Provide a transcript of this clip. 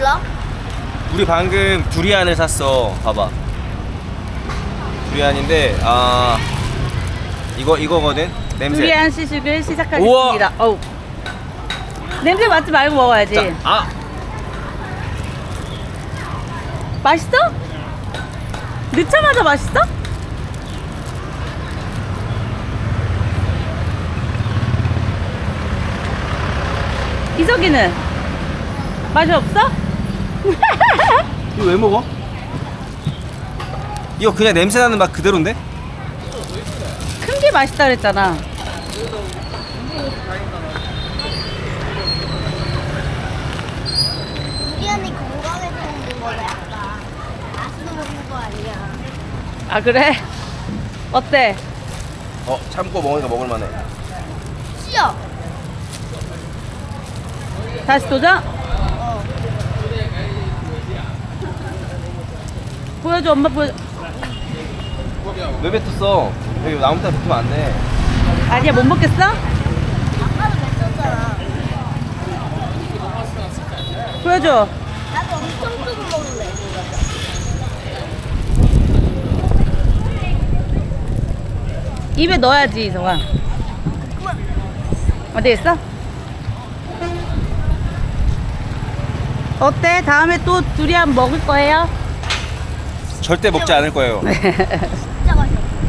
몰라? 우리 방금 두리안을 샀어. 봐봐. 두리안인데 이거거든. 냄새. 두리안 시식을 우와. 시작하겠습니다. 어우. 냄새 맡지 말고 먹어야지. 자, 맛있어? 넣자마자 맛있어? 이석이는 맛이 없어? 이거 왜 먹어? 이거 그냥 냄새 나는 맛 그대로인데? 큰 게 맛있다 그랬잖아. 두리안이 건강에 좋은 거래 아까. 맛있는 먹는 거 아니야. 아 그래? 어때? 참고 먹으니까 먹을만해. 씨야. 다시 도전? 보여줘 엄마 보여줘. 왜 뱉었어? 여기 나무 따라 뱉으면 안 돼. 아니야 못 먹겠어? 아까도 뱉었잖아. 보여줘. 나도 엄청 조금 먹을래. 입에 넣어야지 이성아. 어디 있어? 어때? 다음에 또 두리안 먹을 거예요? 절대 먹지 않을 거예요.